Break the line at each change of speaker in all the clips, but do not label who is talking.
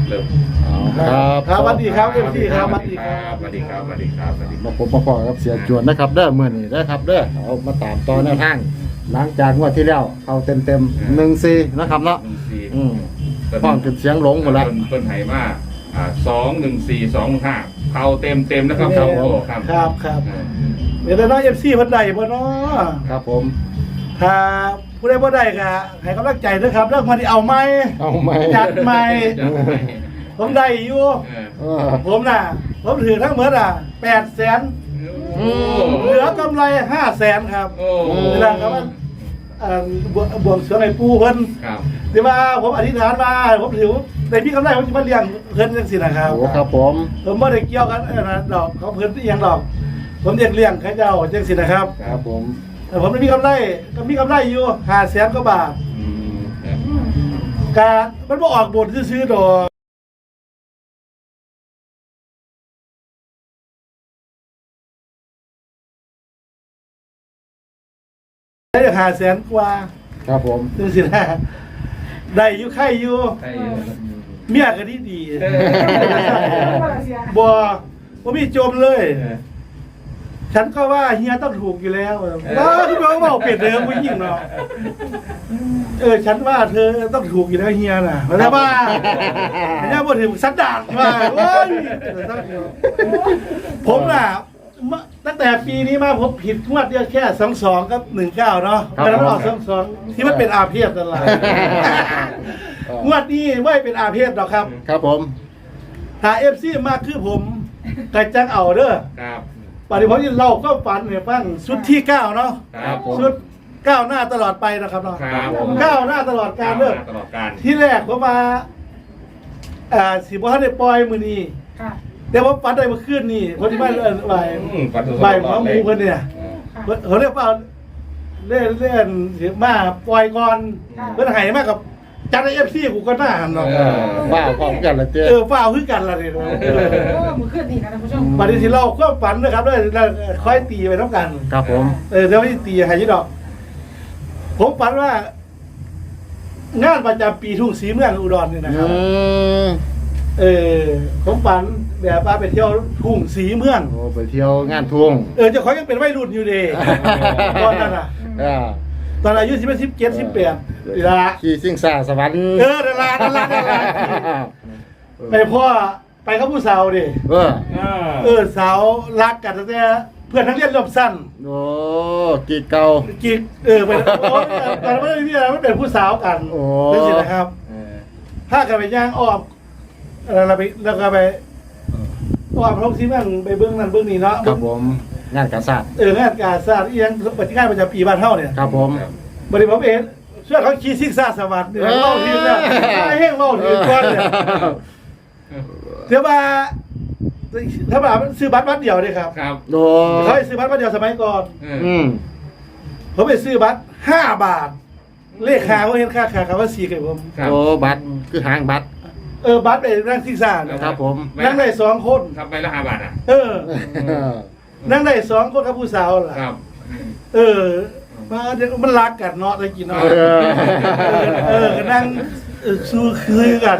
เริ่ม
ครับสวัสดีครับเอฟซีครับสวัสดีครับ
สวัสดีครับสวัสดีครับสวัสดีครับ
มาพบมาพอกับเสียจวนนะครับเด้อมื้อนี้นะครับเด้อเอามาตามต่อแนวทางหลังจากงวดที่แล้วเอาเต็ม1-4นะครับเนาะ
14
ห้องขึ้นเสียงหลงหมดแล้ว
เพิ่นให้มา21425เข้าเต็มนะครับครับโอ้ครับ
ครับเดี๋ยวน้องเอฟซีเพิ่นใดบ่เนาะ
ครับผม
ถ้าผู้ใดบ่ได้ก็ให้กำลังใจด้วยครับเรื่องมาที่เอาไหม
เอาไหม
จัดใหม่
จัดไป
ผมได้อยู่
เออ
ผมผมถือทั้งหมด800,000
โอ้
เหลือกำไร500,000ครับ
โอ้
เวลาครับว่าบวงสรวงไอ้ปู่เพิ่น
ครับ
ที่ว่าผมอธิษฐานมาผมถือได้มีกำไรผมจะมาเลี้ยงเพิ่นจังซี่นะครับ
โอ้ครับผม
ผมไม่ได้เกี่ยวกันนะดอกเขาเพิ่นอีหยังดอก ผมเลี้ยงเขาเจ้าจังซี่นะครับ
ครับผม
แต่ผมไม่มีกำไรก็มีกำไรอยู่500,000กว่าบาท
อืม
การมันบ่ออกบทซื้อๆดอกได้500,000กว่า
ครับผม
จังซี่นะได้อยู่ไข่อยู่
ใช่
เมียก็ดี
เออ
บ่มีจมเลย ฉันก็ว่าเฮียต้องถูกอยู่แล้วที่เขาบอกเปลี่ยนเดิมผู้หญิงเนาะฉันว่าเธอต้องถูกอยู่แล้วเฮียน่ะแต่ว่าเฮียบ่ถึงสันดานว่าโอ้ยผมน่ะตั้งแต่ปีนี้มาผมผิดงวดเดียวแค่22กับ19เนาะแต่มันออก22ที่มันเป็นอาเพศนั่นแหละงวดนี้ไม่เป็นอาเพศหรอกครับ
ครับผม
ถ้า FC มากคือผมก็จังเอาเด้อ
ครับ
ปฏิบัติเราก็ฝันเนี่ยฟังชุดที่9เนาะ
ครับผม
ชุดก้าวหน้าตลอดไปนะครับเนาะ
ครับผม
ก้าวหน้าตลอดการเลิก
ตลอดการ
ที่แรกผมมาสิบ่ทันได้ปล่อยมื้อนี้แต่ว่าฝันได้เมื่อคืนนี่คนที่บ้านบ่ายหมอหมูเพิ่นเนี่ยเขาเรียกว่าเล่นสิมาปล่อยก่อนเพิ่นให้มากับจัดให้ FC กูก็น่าหันเนาะ
ว้าวพร้อมกันละเจ้
ฟ้าวคือกันล่ะนี่
มือขึ้นนี่นะท่านผู้ชม
ปฏิสิเราความฝันนะครับแล้วค่อยตีไปนํกัน
ครับผม
เดี๋ยวไม่ตีให้ยี่ดอก ผมฝันว่า งานประจำปีทุ่งศรีเมืองอุดรนี่นะครับ ผมฝันแบบว่าไปเที่ยวทุ่งศรีเมือง
โอ้ไปเที่ยวงานทุ่ง
เจ้าของยังเป็นวัยรุ่นอยู่เด้ตอนนั้นอ่ะ
อ่า
ตอนอายุ17 18นี่ละ
ขี่ซิ่งซ่าสวรรค์
นั่นละไปพ่อไปกับผู้สาวดิ สาวรักกันตั้งแต่เพื่อนนักเรียนรวมสั้น
โอ้กีเก่า
กิ๊กไปตอนนั้นไม่ได้มีอะไรไม่เป็นผู้สาวกัน
โอ้
นั่นสินะครับ ถ้ากันไปย่างอ้อมแล้วก็ไปอ้อมท้องที่แม่งไปเบื้องนั้นเบื้องนี้เนาะ
ครับผมงานกาศาสตร์
งานการศาสตร์เอียงปฏิการประจำปีบ้านเท่าเนี่ย
ครับผม
บริผมเองช่วยเขาขี่ซิกซ่าสวัสดิ์เนี่ยเล่าทีเนี่ยไม่ให้เล่าทีก่อนเนี่ยเดี๋ยวมาถ้าแบบซื้อบัตรเดียวเนี่ยครับ
ครับ
โอ้
เขาให้ซื้อบัตรเดียวสมัยก่อน ผมไปซื้อบัตร5 บาท เลขขาเขาเห็นค่าขาเขาว่า4กับผม
โอ้บัตรคือหางบัตร
บัตรไปนั่งซิกซ่าเนี่ย
ครับผม
นั่งได้2 คน
ครับใบละ5 บาทอ่ะ
นั่งได้2 คนกับผู้สาวล่ะ
ครับ
มาเดี๋ยวมันรักกันเนาะได้กินเนาะก็นั่งสู้คือกัน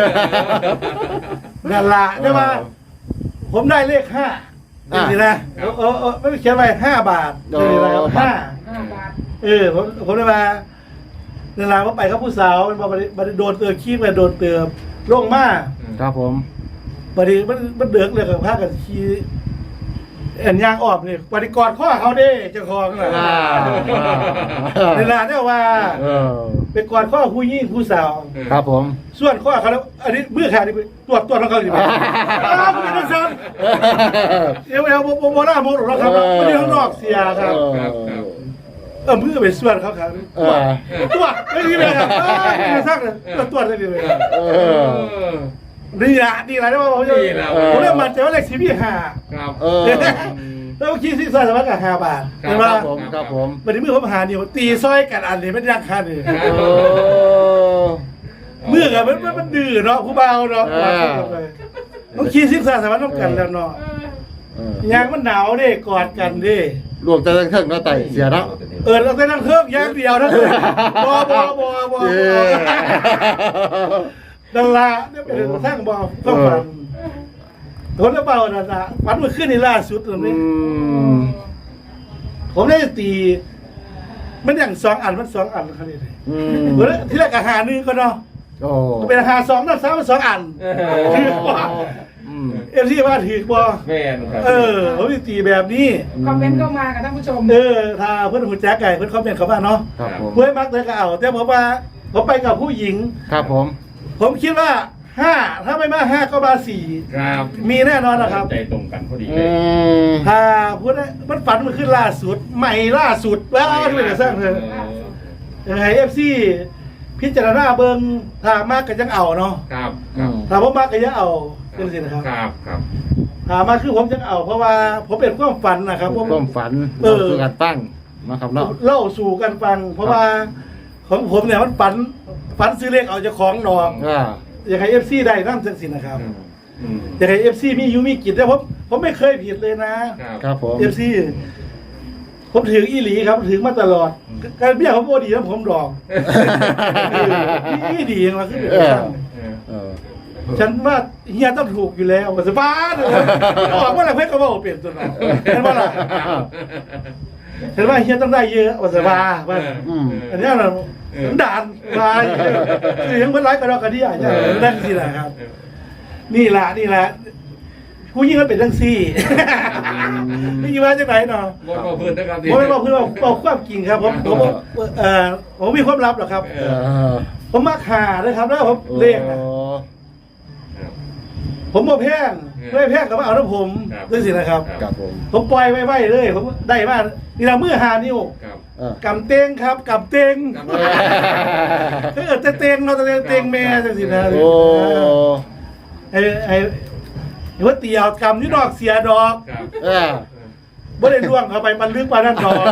นั่นละได้มาผมได้เลข5นี่สินะไม่เขียนไว้5 บาทนี่อะไรครับ5
บาท
ผมได้มาเวลาผมไปกับผู้สาวมันมาโดนเตือขี้มาโดนเตือลงมา
ครับผม
บัดนี้มันเดือกเลยกับพากันขี้แอนยางออกนี่ปฏิกรข้อเขาเด้เจ้าของน่ะเวลาเนี่ยว่าเป็นก่อนข้อผู้ยิ่งผู้สาว
ครับผม
ส่วนข้อเขาแล้วอันนี้มือขาดนี่ตรวจของเขาอยู่ไหมคุณเป็นนักสันเอวโมล่าโมหรอกครับไม่ได้ข้างนอกเสียครับ มือไปส่วนเขาครับตัวไม่ดีเลยครับไม่สร้างเลยตัวได้ดีเลยดีละดีละได้ว่าผมเริ่มมันจะว่าเลขชีวิต5
ครับ
แล้วคิดซิซอยสมัครกับ5 บาทใช่ไหม
ครับผมครับผม
วันนี้มือผมหานี่ตีซอยกันอันนี้ไม่ยังคันนี่มือกับมันดื้อเนาะผู้เบาเนาะต้องคิดซิซอยสมัครต้องกันแล้วเนาะยางมันหนาวดิกอดกันดิ
รวมแต่ทั้งเครื่องแล้วไต่เสียแล้ว
เราไปนั่งเครื่องยางเดียวทั้งคืนบอดาราเนี่ยเป็นสร้างบอกก็ฝันคนละเบาดาราฝันเมื่อคืนนี่ล่าสุดเลย ผมได้ตีมันอย่าง2 อันมัน2 อันครับนี่เลยที่แรกอาหารนึงก็เนาะ
โอ้
ก็เป็นอาหาร2น้ำซ้ำ2 อันถือว่าที่ว่าถือบ่
แม่นครับ
ผมได้ตีแบบนี้
คอมเมนต์ก็มากับท่านผู้ชม
ถ้าเพื่อนหุ่นแจ๊กไก่เพื่อนคอมเมนต์เขาว่าเนาะ
ครับผม
เพื่อนมักเลยก็เอาแต่ผมว่าผมไปกับผู้หญิง
ครับผม
ผมคิดว่า5ถ้าไม่มา5ก็มา4
ครับ
มีแน่นอนนะครับ
ใจตรงกันพอดี
อื
เลย
ม
ถ้าพูดได้มันฝันมันขึ้นล่าสุดใหม่ล่าสุดแล้วที่เป็นสร้างเธอยังไงFC พิจารณาเบิ่งถ้ามากก็ยังเอาเนาะ
ครับครับ
ถ้าผมมากก็ยังเอาเป็นสินะครับ
ครับครับ
ถ้ามาคือผมยังเอา เพราะว่าผมเป็นความฝันนะครับผม
ความฝันคือการตั้งนะครับเนาะ
เล่าสู่กันฟัง เพราะว่าของผมเนี่ยมันฝันซื้อเลขเอาเจ้าของดอก อย่างไรFC ได้นั่นจังสินะครับอย่างไร FC มีอยู่มีกิจแต่ผมไม่เคยผิดเลยนะครับ
ครับผม
FC ผมถืออีหลีครับถือมาตลอดการเบี้ยผมโอดีแล้วผมดอกอีดีอย่างไรคือเป็นช่าง ฉันว่าเฮียต้องถูกอยู่แล้วสบายเลยออกเมื่อไหร่เพื่อนก็บอกเปลี่ยนตัวนั้นเห็นว่าล่ะเห็นว่าเฮียต้องได้เยอะสบายว่าอันนี้เราด่านมาคือยังเมื่อไรก็รอกระดิ่งอย่างนั่นสิแหละครับ นี่แหละผู้ยิ่งมันเป็นทั้งซี่ไม่ยิ่งว่าจากไหนเนาะ
บอกเพื่อนนะครับ
ผมไม่บอกเพื่อนบอกความจริงครับผมมีความลับหรอครับผมมักหาเลยครับแล้วผมเลข ผมบ่แพงไม่แพงกับว่าเอาน้ำผมด้วยสินะครับ
ครับผม
ผมปล่อยไว้เลยผมได้มากนี่เรามือหานิ้วกำเต้งครับกำเต้งเต้งเราเต้งแม่จังสินะ
โอ้
ไอ้ว่าเตียวกำนี่ดอกเสียดอก
อ่า
บ่ได้ล่วงเข้าไปมันลึกปานนั้นดอก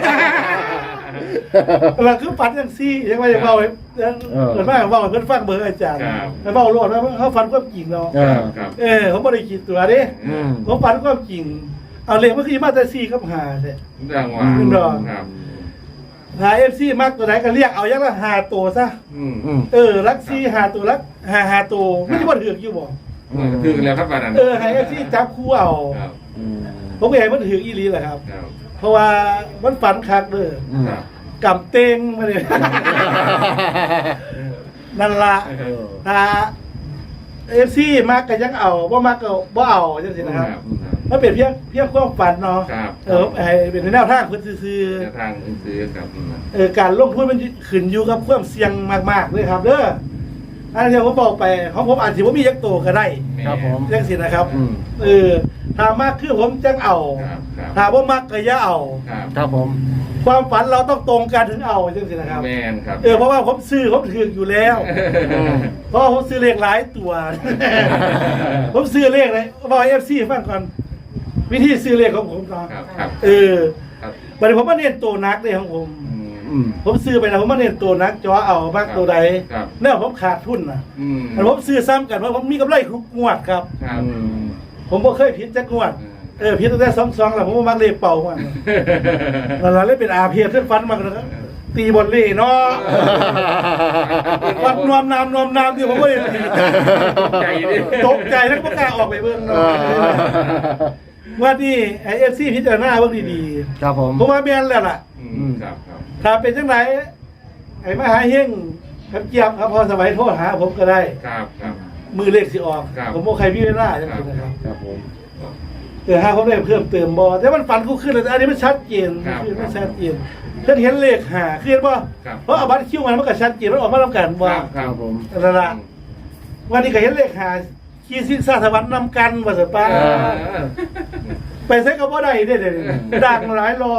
เราคือฝันอย่างซี่ยังไม่ได้เบาเกิดมาเบาเพื่อนฟังเบอร์อาจารย์แล้วเบาโลดแล้วเขาฝันความจริงเนาะผมไม่ได้คิดตัวดิผมฝันความจริงเอาเลยเมื่อกี้มาแต่ซี่กับหาเนี่ย
ดังว่าครับ
หาFC มากตัวไหนก็เรียกเอาอย่างละ5ตัวซะรักซี่5ตัวรัก5ตัวไม่ใช่ว่าถือกอยู่บ่
ถึงแล้วครับบ้านนั้น
ให้ FC จับคู่เอาผมก็เห็นมันถืออีหลีแหละครับเพราะว่ามันฝันคักเด้อกำเต้งมาเลยนั่นละถ้าFC มากก็ยังเอาบ่มากก็บ่เอาจังซี่นะครับมันเป็นเพียงความฝันเนาะให้เป็นแนวทางเพิ่นซื่อ
ทางซื้อครับ
การลงทุนมันขึ้นอยู่กับความเสี่ยงมากๆเลยครับเด้ออันที่ผมบอกไปของผมอาจสิบ่มียักษ์โตก็ได้
ครับผม
จังซี่นะครับถ้ามากคือผมจังเอาถ้าบ่มักก็อย่าเอา
ครับผม
ความฝันเราต้องตรงกันถึงเอาจังซี่นะครับ
แม่นครับ
เพราะว่าผมซื้อผมถืออยู่แล้วเพราะผมซื้อเลขหลายตัว ผมซื้อเลขเลยบอก FC ฟังก่อนวิธีซื้อเลขของผมเนาะ
ครับ
บัดนี้ผมมาเน้นตัวนักเลยของผมผมซื้อไปแล้วผมมาเน้นตัวนักจอเอามากตัวใดแล้วผมขาดทุนนะแต่ผมซื้อซ้ำกันเพราะผมมีกำไรทุกงวดครับ ผมบ่เคยผิดจักงวดผิดตั้งแต่2แล้วผมมามักเลขเป่ามันแล้วเลยเป็นอาเพียเส้นฟันมากนะครับตีบอลเล่เนาะวัดนวมนามที่ผมไม่ได้ตีตกใจแล้วก็กล้าออกไปเบิ่งเนาะว่านี่ไอ้FC พิจารณาเบิ่งดีๆ
ครับผม
ผมว่าแม่นแล้วล่ะ
ครับ
ถ้าเป็นจังไหนไอ้มหาเฮงครับเจี๊ยบครับพอสมัยโทรหาผมก็ได้
ครับครับ
มือเลขสิออกผมบ่ใครพี่เวลาจังซี่นะครับ
ครับผม
หาผมได้เพิ่มเติมบ่แต่มันฝันกูขึ้นแล้วอันนี้มันชัดเจนคือมันชัดเจนเพิ่นเห็นเลขหาคือเห็นบ่เพราะเอาบัตรคิวมันก็ชัดเจนมันออกมาแล้วกันบ่
ครับผม
นั่นล่ะวันนี้ก็เห็นเลขหาขี้สิ้นซาสวรรค์นำกันว่าซั่นป้าไปใส่ก็บ่ได้เด้ดังหลายรอ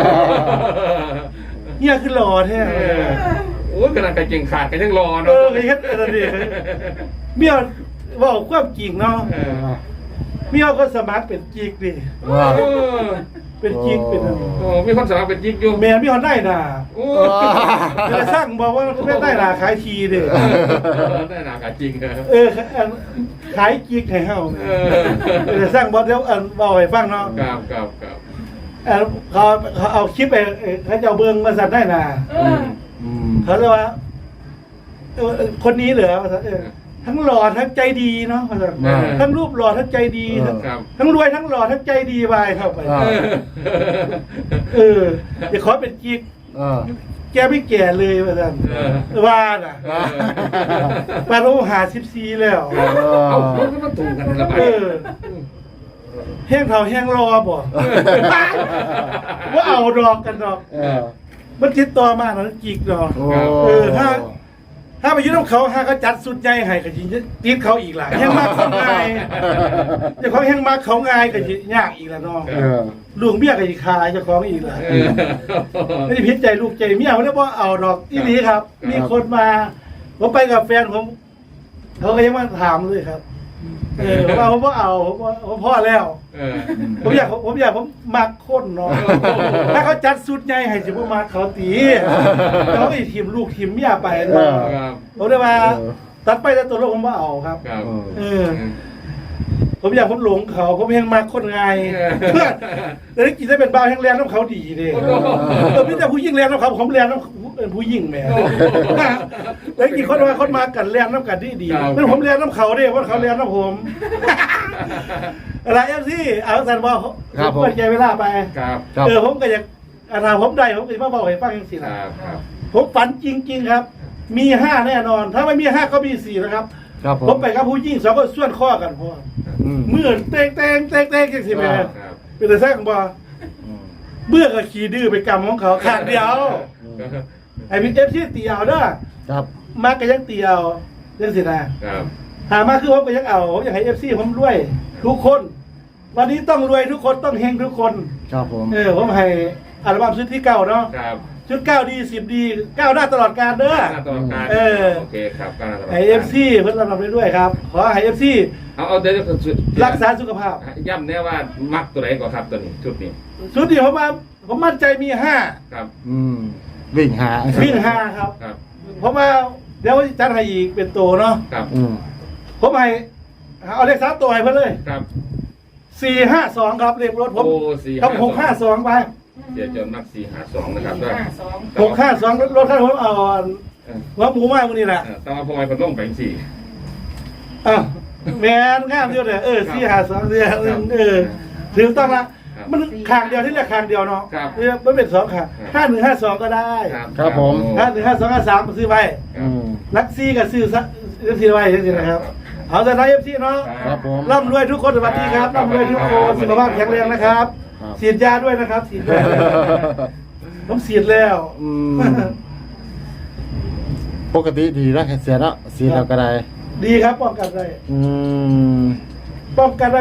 เฮียคือรอแท้
โอ้ยกำลังกระเก่งขาดกันยังรอ
เอ
เนาะ
อเฮ็ดอะไรดิเมียเว้าความจริงเนาะเมียก็สมัครเป็นจิกดิ
ว้าว
เป็นจิกเป็น
โอ้มีคนสมัครเป็นจิ๊กอยู่
แม่มีคนได้น่ะ
โอ้
จะสร้างบอกว่าไม่ได้น่ะขายทีเด้อ
ได้หนากาจริง
ขายจิกให้เฮาจะสร้างบ่เดี๋ยวบอกให้ฟังเนาะ
ครับ
เขาเอาคลิปไปเขาจะเอาเบิ่งมาสั่นได้น่ะเขาเรียกว่าคนนี้เหรอทั้งหล่อทั้งใจดีเนาะทั้งรูปหล่อทั้งใจดี
ครับ
ทั้งรวยทั้งหล่อทั้งใจดีไปเข้าไปอย่าขอเป็นกิ๊กแกไม่แก่เลยว่าท่านว่าน่ะปาโรหา14แล้ว
เอาแล้วก็มาถูกกันละบาท
แห้งเท่าแห้งรอบ่ว่าเอาดอกกันดอกมันติดต่อมาแล้วจิกดอกถ้าไปยืนน้ำเขาถ้าเขาจัดสุดใหญ่ให้ก็จริงติดเขาอีกล่ะแห้งมากเขาง่ายเจ้าของแห้งมากเขาง่ายก็ยากอีกแล้วน้องลุงเบี้ยก็อีกคายเจ้าของอีกล่ะไม่ได้พิจใจลูกใจเมียเขาเรียกว่าเอาดอกที่นี้ครับ มีคนมาผมไปกับแฟนผมเขาก็ยังมาถามเลยครับว่าผมว่าเอาผมพ่อแล้วผมอยากผมมักคนเนาะถ้าเขาจัดสุดใหญ่ให้สิผมมาเขาตีเขาไอ้ทีมลูกทีมเมียไปเนาะผมได้มาตัดไปแต่ตัวลูกผมว่าเอาครับผมอยากผมหลงเขาผมยังมาคนไงแต่ถ้ากินได้เป็นบ้าแห้งแรงน้ำเขาดีเลยพี่แต่ผู้ยิ่งแรงน้ำเขาผมแรงน้ำผู้ยิ่งแม่แล้วกี่คนมากันแรงน้ำกันดีแล้วผมแรงน้ำเขาเนี่ยเพราะเขาแรงน้ำผมอะไรที่เอาสันบอกผมเปิดใจเวลาไปผมก็อยากผมได้ผมจะมาบอกให้ฟังอย่างสินะผมฝันจริงๆครับมี5แน่นอนถ้าไม่มี5ก็มี4นะครับผมไปกับผู้ยิ่ง2ก็ส่วนข้อกันพ่อเมื่อเต้งจังสิแม่เป็นแต่แท้ของบ่เบื่อกับขี่ดื้อไปกรรมของเขาขาดเดียวไอ้พี่ที่ตีเอาเด้อมาก็ยังตีเอาเรื่องสินะหามาคือผมก็ยังเอาผมอยากให้FCผมรวยทุกคนวันนี้ต้องรวยทุกคนต้องเฮงทุกคน
ครับผม
ผมให้อัลบั้มชุดที่9เนาะชุด9ดี10ดี9หน้าตลอดการเด้อ
ตลอดการโอเคครับ
ให้ FC เพิ่นรับไปด้วยครับขอให้ FC
เอาเดี๋ยว
รักษาสุขภาพ
ย้ำแน่ว่ามักตัวไหนก่อนครับตัวนี้ชุดนี้
ผมมั่นใจมี5
ครับ
วิ่งหา
ครับผมว่าเดี๋ยวจัดให้อีกเป็นตัวเนาะ
ครับ
ผมให้เอาเลข3ตัวให้เพิ่นเลย
ครับ
452ครับเลขรถผมครับ652ไป
เสียจนมัก452นะครับด้วย
652รถคันผมเอาว่าหมูมากมื้อนี้แหละ
ต้องเอาพอยมันลงไป4
แม่นงามอยู่เด้อ452ถึงต้องละมันข้างเดียวที่เรียกข้างเดียวเนาะมันเป็น2ข้าง5152ก็ได้
ครับผม
5152ซื้อไว้ลักซี่ก็ซื้อไว้จังซี่นะครับเอาแต่นาย FC เนาะ
ครับผม
ร่ำรวยทุกคนสวัสดีครับร่ำรวยทุกคนสุขภาพแข็งแรงนะครับฉีดยาด้วยนะครับฉีดด้วยผมฉีดแล้ว
ปกติดีแล้วเสียแล้วฉีดแล้วก็ได้
ดีครับป้องกันได้ป้องกันได้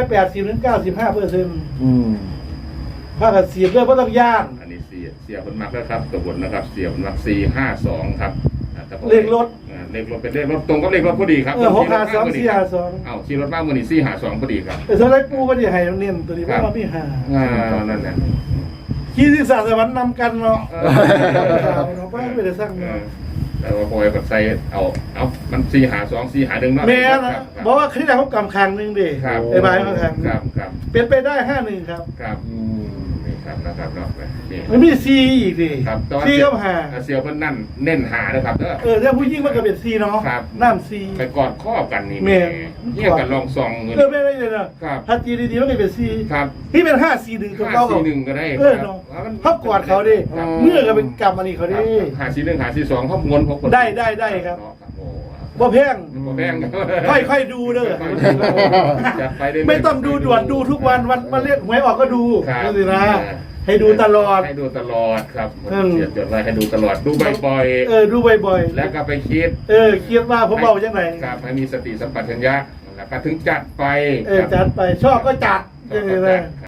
80-95%ถ้าเกิดฉีดด้วยก็ต้องย่าง
อันนี้เสียคนมักแล้วครับตัวบนนะครับเสียคนมัก452ครับ
เลขรถ
เป็นเลขรถตรงกับเลขรถพอดีครับ
652 452
ขี่รถบ้านมือนี่452พอดีครับ
แต่สไลด์ปูก็จะให้เน้นตัวนี้เพราะว่าพี่หา
นั่นแหละ
ขี่ที่ศาสวรรค์นำกันเนาะเราไม่ได้สร้างเนาะ
แต่ว่าพอยกับใส่เอามัน452 451เนาะ
แม่นะบอกว่าคลิปแรกเขากำคังนึงดิไอ้ใบเขาคังเป็นไปได้51ครับ
ครับนะครับเนาะ
มันมีซีอีกดิซีก็หา
เสียวเพิ่นนั่นเน้นหานะครับ
ถ้าผู้ยิ่งมันก็เป็นซีเนาะน้ำซี
ไปกอดข้อกันนี่เงี้ยกันลองซองเงิน
ไม่ได้เลยนะถ้าจีดีๆมันก็เป็นซีที่เป็น541ตัวเก่า
541ก็ได้
เขากอดเขาดิเมื่อก็เป็นกรรมอันนี้เขาดิ
541 542เขางนเขา
ได้ครับบ่แพงค่อยดูเด้อไม่ต้องดูด่วนดูทุกวันเรียกหวยออกก็ดูนี่นะให้ดูตลอด
ครับเสียจดไว้ให้ดูตลอดดูบ่อย
ดูบ่อย
แล้วก็ไปคิด
ว่าผมเอาจังไหน
ครับให้มีสติสัมปชัญญะแล้วก็ถึงจัดไป
ชอบก็จัด